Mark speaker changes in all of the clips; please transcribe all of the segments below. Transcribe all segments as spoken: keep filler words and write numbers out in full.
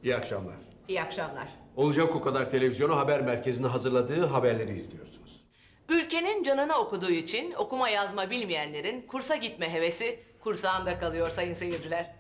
Speaker 1: İyi akşamlar.
Speaker 2: İyi akşamlar.
Speaker 1: Olacak o kadar televizyonu haber merkezine hazırladığı haberleri izliyorsunuz.
Speaker 2: Ülkenin canını okuduğu için okuma yazma bilmeyenlerin kursa gitme hevesi kursağında kalıyor sayın seyirciler.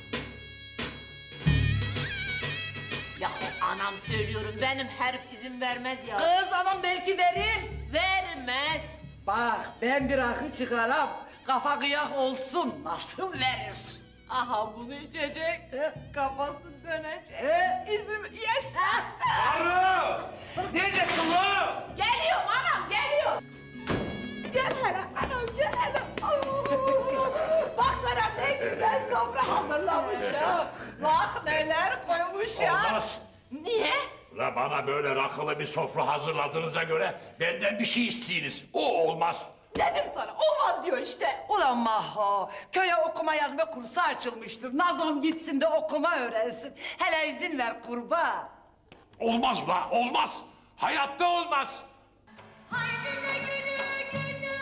Speaker 3: Yahu anam söylüyorum benim herif izin vermez ya.
Speaker 4: Kız anam belki verir.
Speaker 3: Vermez.
Speaker 4: Bak ben bir akıl çıkaram. Kafa kıyak olsun. Nasıl verir?
Speaker 2: Aha bunu içecek,
Speaker 4: He?
Speaker 2: kafası dönecek,
Speaker 4: He?
Speaker 2: izim yaşattı.
Speaker 5: Arı! Neredesin lan?
Speaker 2: Geliyorum anam, geliyorum. Gel hele anam, gel hele. Bak sana ne güzel sofra hazırlamışım. Bak neler koymuşum.
Speaker 5: Olmaz.
Speaker 2: Niye?
Speaker 5: La bana böyle rakılı bir sofra hazırladığınıza göre benden bir şey isteyiniz. O olmaz.
Speaker 2: Dedim sana, olmaz diyor işte.
Speaker 4: Ulan Maho, köye okuma yazma kursu açılmıştır. Nazom gitsin de okuma öğrensin. Hele izin ver kurban.
Speaker 5: Olmaz la, olmaz. Hayatta olmaz.
Speaker 3: Haydi ne gülü gülü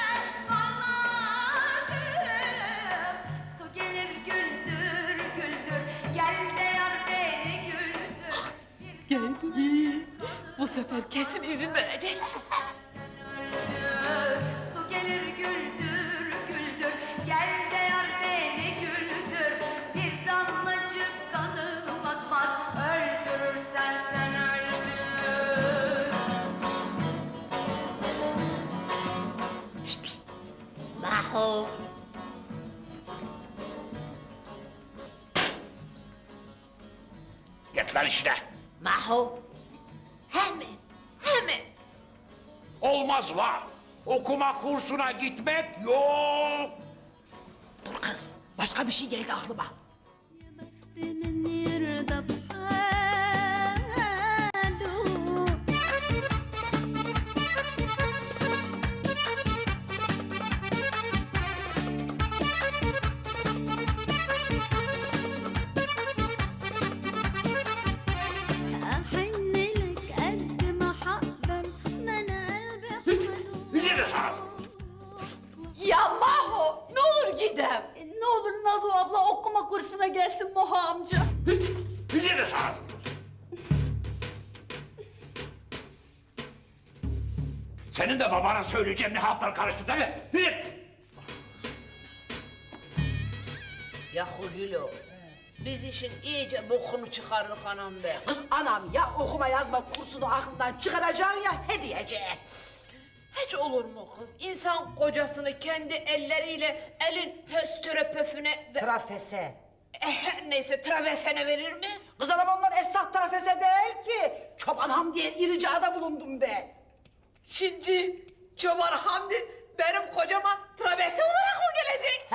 Speaker 3: anladım. Su gelir güldür güldür. Gel de yar beni güldür.
Speaker 2: Geldi. Bu sefer kesin izin verecek.
Speaker 3: Su gelir güldür güldür. Gel de yar beni güldür. Bir damlacık kanım akmaz. Öldürürsen sen öldür.
Speaker 4: Pişt pişt.
Speaker 3: Maho.
Speaker 5: Git lan işine.
Speaker 3: Maho. Hemen. Hemen.
Speaker 5: Olmaz la. Okuma kursuna gitmek yok.
Speaker 4: Dur kız. Başka bir şey geldi aklıma.
Speaker 6: من يرضى بحاله أحن لك قد ما حقدر ما أنا قلبي
Speaker 5: Bizi de sana.
Speaker 2: Ya Maho, ne olur gidem.
Speaker 6: Ne olur Nazo abla okuma kursuna gelsin Moha amca.
Speaker 5: Bizi de sana. Senin de babana söyleyeceğim ne hatlar karıştı değil mi? Gidin.
Speaker 3: Yahu Lilo. Biz işin iyice bokunu çıkardık anam be.
Speaker 4: Kız anam ya okuma yazma kursunu aklından çıkaracaksın ya hediyeceğe.
Speaker 3: Hiç olur mu kız? İnsan kocasını kendi elleriyle elin höstöröpöfüne ve...
Speaker 4: Trafese.
Speaker 3: E, her neyse travesene verir mi?
Speaker 4: Kız anam onlar esnaf trafese değil ki. Çobanam diye iricada bulundum ben.
Speaker 2: Şimdi Çoban Hamdi benim kocama travese olarak mı gelecek?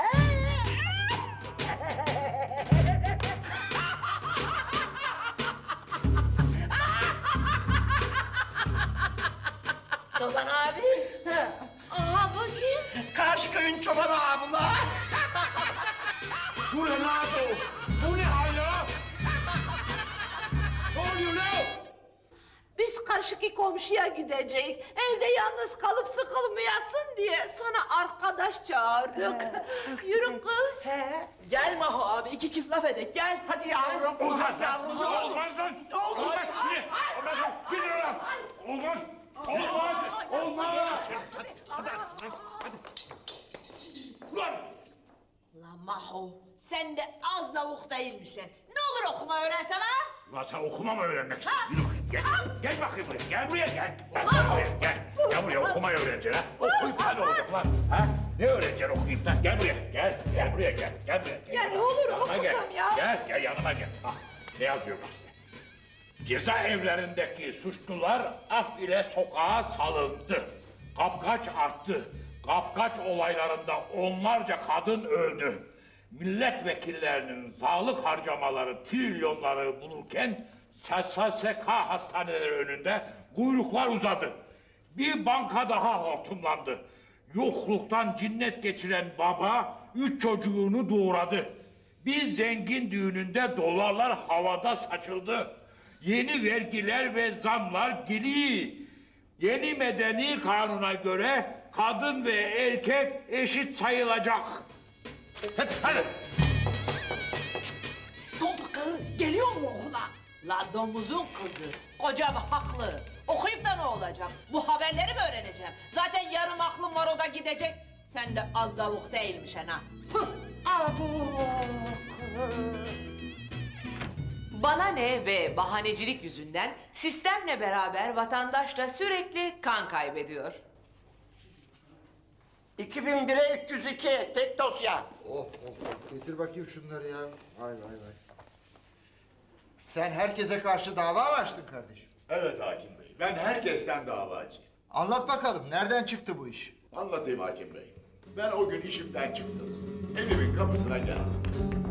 Speaker 3: Çoban abi. Aha bakayım.
Speaker 4: Karşı köyün çobanı abla.
Speaker 5: Bu ne Nazo? Bu ne hal ya? Ne oluyor lan?
Speaker 2: Biz karşıki komşuya gidecek. Evde yalnız kalıp sıkılmayasın diye sana arkadaş çağırdık. Yürü kız.
Speaker 4: He. Gel Maho abi iki çift laf edek gel. Hadi yavrum.
Speaker 5: Olmaz lan! Olmaz lan! Olmaz! Yine! Olmaz lan! Gidin lan! Olmaz! Olmaz! Olmaz! Ulan!
Speaker 3: La Maho, sen de az lavuk değilmişsin. Ne olur okuma öğrensen ha?
Speaker 5: Ulan sen okuma mı öğrenmek istiyorsun? Yürü bakayım gel. Gel bakayım buraya. Gel buraya gel. Gel buraya gel. Gel buraya okumayı öğreneceksin ha. Okuyup da ne olacak lan? Ha? Ne öğreneceksin okuyup da? Gel buraya. Gel. Gel buraya gel. Gel buraya. Gel.
Speaker 2: Ya ne olur
Speaker 5: Yanıma gel.
Speaker 2: okusam ya.
Speaker 5: Gel. Gel yanıma gel. Bak ne yazıyor gazetede? Cezaevlerindeki suçlular af ile sokağa salındı. Kapkaç arttı. Kapkaç olaylarında onlarca kadın öldü. Milletvekillerinin sağlık harcamaları trilyonları bulurken S S K hastaneleri önünde kuyruklar uzadı. Bir banka daha hortumlandı. Yokluktan cinnet geçiren baba üç çocuğunu doğuradı. Bir zengin düğününde dolarlar havada saçıldı. Yeni vergiler ve zamlar geliyor. Yeni medeni kanuna göre kadın ve erkek eşit sayılacak. Hadi, hadi.
Speaker 4: Ne oldu kız? Gel geliyor mu okula?
Speaker 3: La domuzun kızı. Kocam haklı. Okuyup da ne olacak? Bu haberleri mi öğreneceğim? Zaten yarım aklım var, o da gidecek. Sen de az davuk değilmişsin ha. Tüh!
Speaker 4: Abo.
Speaker 3: Bana ne ve bahanecilik yüzünden sistemle beraber vatandaş da sürekli kan kaybediyor.
Speaker 7: iki bin bire üç yüz iki tek dosya.
Speaker 8: Oh oh getir bakayım şunları ya. Vay vay vay. Sen herkese karşı dava mı açtın kardeşim?
Speaker 9: Evet hakim bey, ben herkesten davacıyım.
Speaker 8: Anlat bakalım nereden çıktı bu iş?
Speaker 9: Anlatayım hakim bey. Ben o gün işimden çıktım. Evimin kapısına geldim.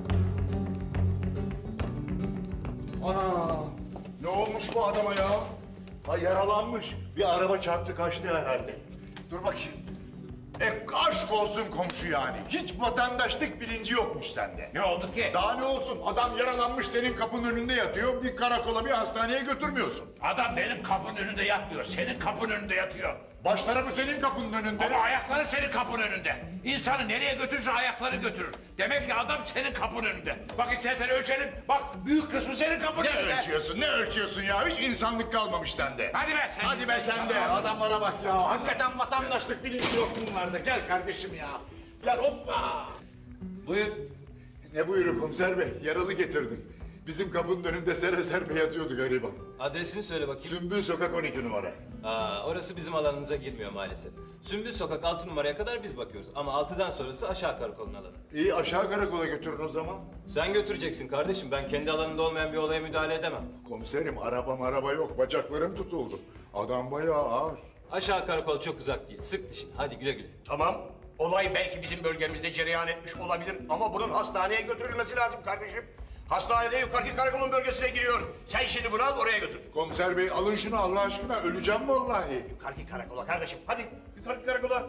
Speaker 9: Ana! Ne olmuş bu adama ya? Ha yaralanmış. Bir araba çarptı kaçtı herhalde. Dur bakayım. E aşk olsun komşu yani. Hiç vatandaşlık bilinci yokmuş sende.
Speaker 5: Ne oldu ki?
Speaker 9: Daha ne olsun? Adam yaralanmış senin kapının önünde yatıyor. Bir karakola bir hastaneye götürmüyorsun.
Speaker 5: Adam benim kapının önünde yatmıyor. Senin kapının önünde yatıyor.
Speaker 9: Baş tarafı senin kapının önünde.
Speaker 5: Ama ayakları senin kapının önünde. İnsanı nereye götürürse ayakları götürür. Demek ki adam senin kapının önünde. Bak istersen ölçelim. Bak büyük kısmı senin kapının
Speaker 9: Ne
Speaker 5: önünde.
Speaker 9: ölçüyorsun? Ne ölçüyorsun ya? Hiç insanlık kalmamış sende.
Speaker 5: Hadi be sen.
Speaker 9: Hadi be sen de. Adamlara bak ya. Hakikaten vatandaşlık bilinci yok bunlarda. Gel kardeşim ya. Gel hoppa.
Speaker 5: Buyur.
Speaker 9: Ne buyurun komiser bey? Yaralı getirdim. Bizim kapının önünde sere serpe yatıyordu gariban.
Speaker 10: Adresini söyle bakayım.
Speaker 9: Sümbül Sokak on iki numara.
Speaker 10: Aa, orası bizim alanımıza girmiyor maalesef. Sümbül Sokak altı numaraya kadar biz bakıyoruz. Ama altıdan sonrası aşağı karakolun alanı.
Speaker 9: İyi aşağı karakola götürün o zaman.
Speaker 10: Sen götüreceksin kardeşim. Ben kendi alanında olmayan bir olaya müdahale edemem.
Speaker 9: Komiserim arabam araba yok. Bacaklarım tutuldu. Adam bayağı ağır.
Speaker 10: Aşağı karakol çok uzak değil. Sık dişini. Hadi güle güle.
Speaker 11: Tamam. Olay belki bizim bölgemizde cereyan etmiş olabilir ama bunun hastaneye götürülmesi lazım kardeşim. Hastanede yukarıki karakolun bölgesine giriyor. Sen şimdi bunu al oraya götür.
Speaker 9: Komiser bey alın şunu Allah aşkına. Öleceğim vallahi.
Speaker 11: Yukarıki karakola kardeşim. Hadi yukarıki karakola.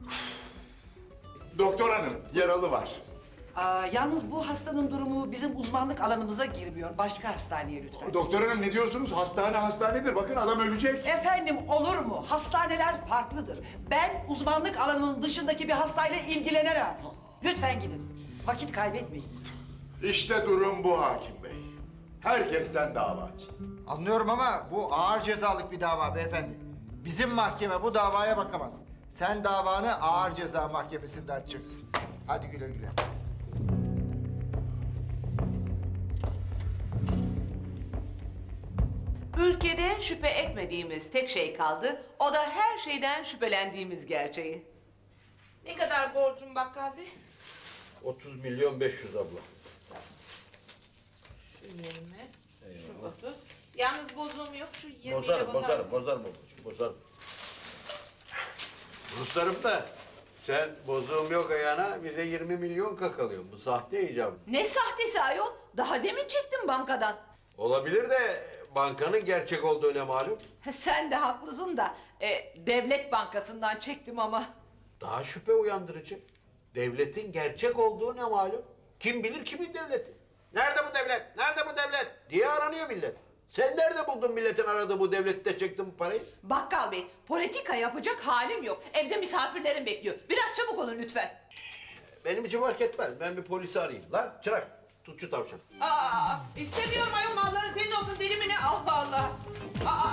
Speaker 9: Doktor hanım yaralı var.
Speaker 4: Aa, yalnız bu hastanın durumu bizim uzmanlık alanımıza girmiyor. Başka hastaneye lütfen.
Speaker 9: Doktor hanım ne diyorsunuz? Hastane hastanedir. Bakın adam ölecek.
Speaker 4: Efendim olur mu? Hastaneler farklıdır. Ben uzmanlık alanımın dışındaki bir hastayla ilgilenirim. Lütfen gidin. Vakit kaybetmeyin.
Speaker 9: İşte durum bu hakim bey. Herkesten davacı.
Speaker 8: Anlıyorum ama bu ağır cezalık bir dava beyefendi. Bizim mahkeme bu davaya bakamaz. Sen davanı ağır ceza mahkemesinde açacaksın. Hadi güle güle.
Speaker 3: Ülkede şüphe etmediğimiz tek şey kaldı. O da her şeyden şüphelendiğimiz gerçeği. Ne kadar borcum bakkal bey?
Speaker 1: otuz milyon beş yüz abla.
Speaker 3: Şu yirmi, şu otuz. Yalnız bozuğum yok, şu yirmi ile
Speaker 1: Bozarım,
Speaker 3: bozarsın.
Speaker 1: bozarım, bozarım babacığım, bozarım. Ruslarım da sen bozuğum yok ayağına bize yirmi milyon kakalıyorsun. Bu sahte icap.
Speaker 3: Ne sahtesi ayol? Daha demin çektim bankadan.
Speaker 1: Olabilir de bankanın gerçek olduğu ne malum?
Speaker 3: Sen de haklısın da e, devlet bankasından çektim ama.
Speaker 1: Daha şüphe uyandırıcı. Devletin gerçek olduğu ne malum? Kim bilir kimin devleti? Nerede bu devlet? Nerede bu devlet? Diye aranıyor millet. Sen nerede buldun milletin aradığı bu devlette çektin bu parayı?
Speaker 3: Bakkal bey, politika yapacak halim yok. Evde misafirlerim bekliyor. Biraz çabuk olun lütfen.
Speaker 1: Benim için fark etmez. Ben bir polisi arayayım. Lan çırak, tut şu tavşan.
Speaker 3: Aa, istemiyorum ayol, malları senin olsun, deli mi ne? Allah Allah. Aa.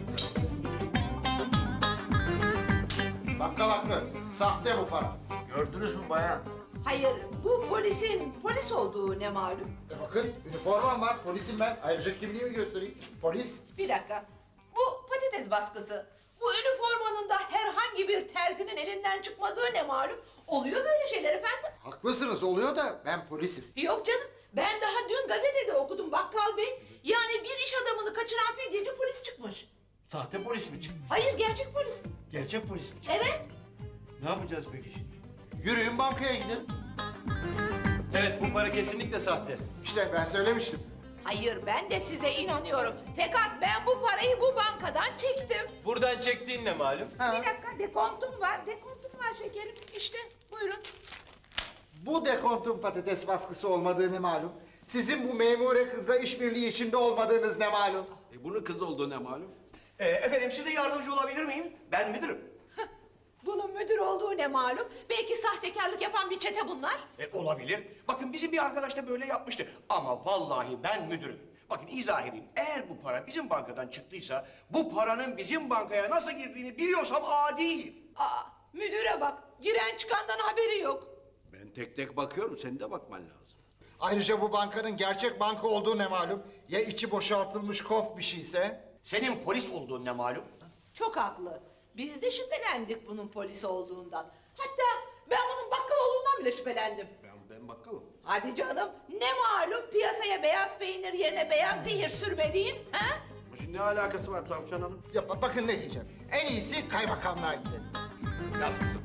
Speaker 8: Bakkal haklı. Sahte bu para.
Speaker 1: Gördünüz mü bayan?
Speaker 3: Hayır, bu polisin polis olduğu ne malum?
Speaker 8: E bakın üniformam var. Polisim ben. Ayrıca kimliğimi göstereyim. Polis.
Speaker 3: Bir dakika. Bu patates baskısı. Bu üniformanın da herhangi bir terzinin elinden çıkmadığı ne malum? Oluyor böyle şeyler efendim.
Speaker 8: Haklısınız oluyor da ben polisim.
Speaker 3: Yok canım. Ben daha dün gazetede okudum bakkal bey. Yani bir iş adamını kaçıran fidyeci polis çıkmış.
Speaker 1: Sahte polis mi çıktı?
Speaker 3: Hayır, gerçek polis.
Speaker 1: Gerçek polis mi çıktı?
Speaker 3: Evet.
Speaker 1: Ne yapacağız peki şimdi?
Speaker 8: Yürüyün bankaya gidin.
Speaker 10: Evet bu para kesinlikle sahte.
Speaker 8: İşte ben söylemiştim.
Speaker 3: Hayır, ben de size inanıyorum. Fakat ben bu parayı bu bankadan çektim.
Speaker 10: Buradan çektiğin ne malum?
Speaker 8: Ha.
Speaker 3: Bir dakika, dekontum var. Dekontum var şekerim. İşte buyurun.
Speaker 8: Bu dekontun patates baskısı olmadığı ne malum? Sizin bu memure kızla işbirliği içinde olmadığınız ne malum?
Speaker 1: E bunun kız olduğu ne malum?
Speaker 11: Ee, efendim size yardımcı olabilir miyim? Ben müdürüm.
Speaker 3: Bu bunun müdür olduğu ne malum? Belki sahtekarlık yapan bir çete bunlar.
Speaker 11: E, olabilir. Bakın bizim bir arkadaş da böyle yapmıştı. Ama vallahi ben müdürüm. Bakın izah edeyim. Eğer bu para bizim bankadan çıktıysa... ...bu paranın bizim bankaya nasıl girdiğini biliyorsam adi.
Speaker 3: Aa, müdüre bak. Giren çıkandan haberi yok.
Speaker 1: Ben tek tek bakıyorum, senin de bakman lazım.
Speaker 8: Ayrıca bu bankanın gerçek banka olduğu ne malum? Ya içi boşaltılmış kof bir şeyse?
Speaker 11: Senin polis olduğun ne malum?
Speaker 3: Çok haklı. Biz de şüphelendik bunun polis olduğundan. Hatta ben bunun bakkal olduğundan bile şüphelendim.
Speaker 1: Ben, ben bakalım.
Speaker 3: Hadi canım, ne malum piyasaya beyaz peynir yerine beyaz zehir sürmediğin, ha?
Speaker 1: Şimdi ne alakası var Tavşan Hanım?
Speaker 8: Ya ba- bakın ne diyeceğim. En iyisi kaymakamlığa gidelim.
Speaker 5: Yaz kızım.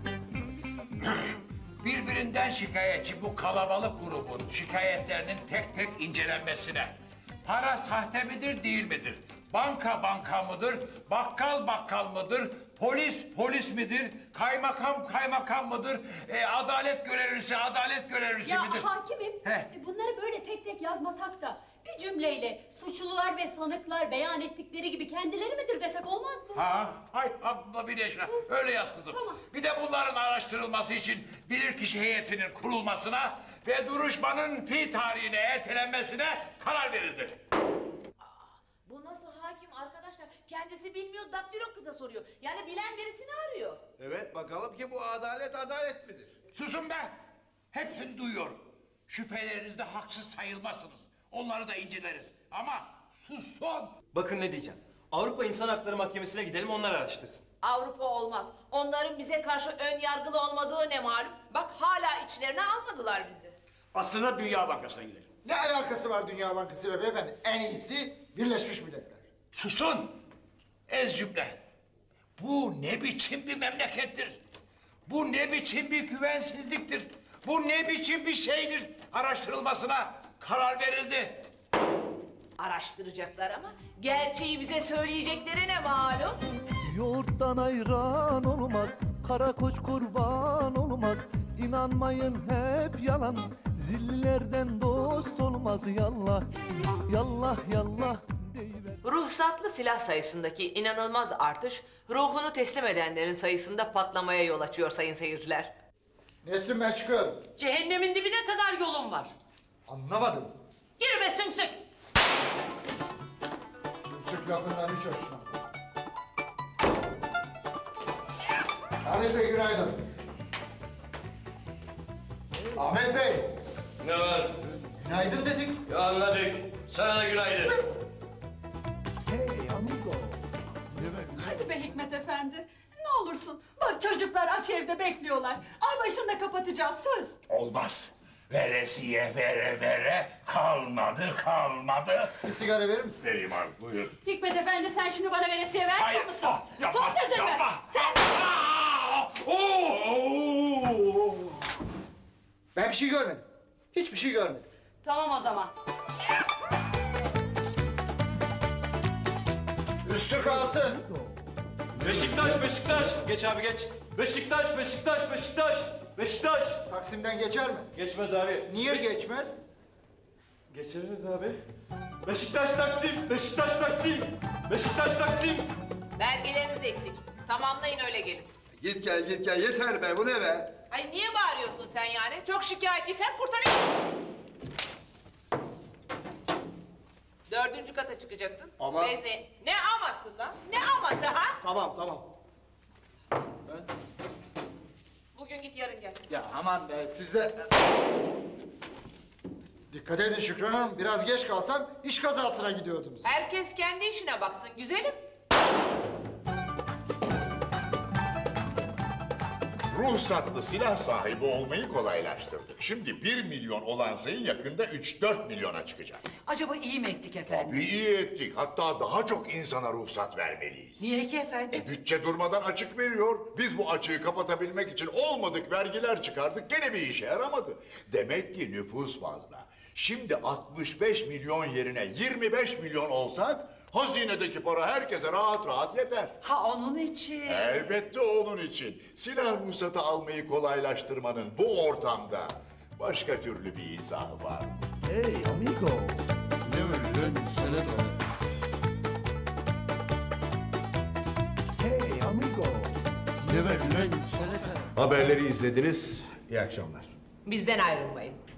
Speaker 5: Birbirinden şikayetçi bu kalabalık grubun şikayetlerinin tek tek incelenmesine. Para sahte midir, değil midir? Banka banka mıdır? Bakkal bakkal mıdır? Polis polis midir? Kaymakam kaymakam mıdır? E, adalet görevlisi adalet görevlisi
Speaker 6: Ya
Speaker 5: midir?
Speaker 6: hakimim,
Speaker 5: He.
Speaker 6: e, bunları böyle tek tek yazmasak da bir cümleyle suçlular ve sanıklar beyan ettikleri gibi kendileri midir desek olmaz mı?
Speaker 5: Ha, hay abla bir yaşına. Öyle yaz kızım.
Speaker 6: Tamam.
Speaker 5: Bir de bunların araştırılması için bilirkişi heyetinin kurulmasına ve duruşmanın fi tarihine ertelenmesine karar verildi.
Speaker 3: Bu nasıl hakim arkadaşlar? Kendisi bilmiyor, daktilo kıza soruyor. Yani bilen birisini arıyor.
Speaker 1: Evet, bakalım ki bu adalet adalet midir?
Speaker 5: Susun be! Hepsini duyuyorum. Şüphelerinizde haksız sayılmazsınız. Onları da inceleriz. Ama susun!
Speaker 10: Bakın ne diyeceğim. Avrupa İnsan Hakları Mahkemesi'ne gidelim, onlar araştırsın.
Speaker 3: Avrupa olmaz. Onların bize karşı ön yargılı olmadığı ne malum? Bak hala içlerine almadılar bizi.
Speaker 11: Aslında Dünya Bankası'na gidelim.
Speaker 8: Ne alakası var Dünya Bankası ile beyefendi? En iyisi Birleşmiş Milletler.
Speaker 5: Susun! Ez cümle. Bu ne biçim bir memlekettir? Bu ne biçim bir güvensizliktir? Bu ne biçim bir şeydir? Araştırılmasına karar verildi.
Speaker 3: Araştıracaklar ama gerçeği bize söyleyecekleri ne malum?
Speaker 12: Yoğurttan ayran olmaz, kara koç kurban olmaz. İnanmayın hep yalan, zillilerden dost olmaz. Yallah, yallah, yallah deyiver.
Speaker 3: Ruhsatlı silah sayısındaki inanılmaz artış, ruhunu teslim edenlerin sayısında patlamaya yol açıyor sayın seyirciler.
Speaker 8: Nesin ben çıkıyorum.
Speaker 2: Cehennemin dibine kadar yolun var.
Speaker 8: Anlamadım.
Speaker 2: Yürü be sümsük.
Speaker 8: Sümsük lafından hiç hoşlanmadım. Ahmet Bey günaydın. Ahmet Bey.
Speaker 11: Ne var?
Speaker 8: Günaydın dedik.
Speaker 11: Ya anladık. Sana da günaydın.
Speaker 12: Hey amigo.
Speaker 4: Hadi be Hikmet Efendi. Ne olursun. Bak çocuklar aç evde bekliyorlar. Ay başında kapatacağız söz.
Speaker 5: Olmaz. Veresiye vere vere kalmadı kalmadı.
Speaker 8: Bir sigara verir misin?
Speaker 5: Vereyim abi buyur.
Speaker 6: Hikmet Efendi sen şimdi bana veresiye vermiyor
Speaker 5: Hayır,
Speaker 6: musun?
Speaker 5: ah, yapma,
Speaker 6: Son sözün mü?
Speaker 5: yapma.
Speaker 6: Sen...
Speaker 5: Aa, oo!
Speaker 8: Ben bir şey görmedim. Hiçbir şey görmedim.
Speaker 6: Tamam o zaman.
Speaker 8: Üstü kalsın.
Speaker 10: Beşiktaş, Beşiktaş. Geç abi geç. Beşiktaş, Beşiktaş, Beşiktaş. Beşiktaş.
Speaker 8: Taksim'den geçer mi?
Speaker 10: Geçmez abi.
Speaker 8: Niye geçmez?
Speaker 10: Geçeriz abi. Beşiktaş Taksim, Beşiktaş Taksim. Beşiktaş Taksim.
Speaker 3: Belgeleriniz eksik. Tamamlayın öyle gelin.
Speaker 9: Git gel git gel yeter be bu ne be?
Speaker 3: Ay niye bağırıyorsun sen yani? Çok şikayetçiysen kurtarayım. Dördüncü kata çıkacaksın.
Speaker 9: Ama-
Speaker 3: Vezne... Ne aması lan? Ne aması ha?
Speaker 9: Tamam tamam.
Speaker 3: Bugün git yarın gel.
Speaker 8: Ya aman be siz de... Dikkat edin Şükran Hanım. Biraz geç kalsam iş kazasına gidiyordunuz.
Speaker 3: Herkes kendi işine baksın güzelim.
Speaker 9: Ruhsatlı silah sahibi olmayı kolaylaştırdık. Şimdi bir milyon olan sayı yakında üç dört milyona çıkacak.
Speaker 4: Acaba iyi mi ettik efendim?
Speaker 9: Bir iyi ettik. Hatta daha çok insana ruhsat vermeliyiz.
Speaker 4: Niye ki efendim?
Speaker 9: E bütçe durmadan açık veriyor. Biz bu açığı kapatabilmek için olmadık vergiler çıkardık. Gene bir işe yaramadı. Demek ki nüfus fazla. Şimdi altmış beş milyon yerine yirmi beş milyon olsak... hazinedeki para herkese rahat rahat yeter.
Speaker 4: Ha onun için.
Speaker 9: Elbette onun için. Silah ruhsatı almayı kolaylaştırmanın bu ortamda başka türlü bir izahı var.
Speaker 12: Hey amigo.
Speaker 10: Ne öyle lan? Sana da.
Speaker 12: Hey amigo.
Speaker 10: Ne
Speaker 9: Haberleri izlediniz. İyi akşamlar.
Speaker 3: Bizden ayrılmayın.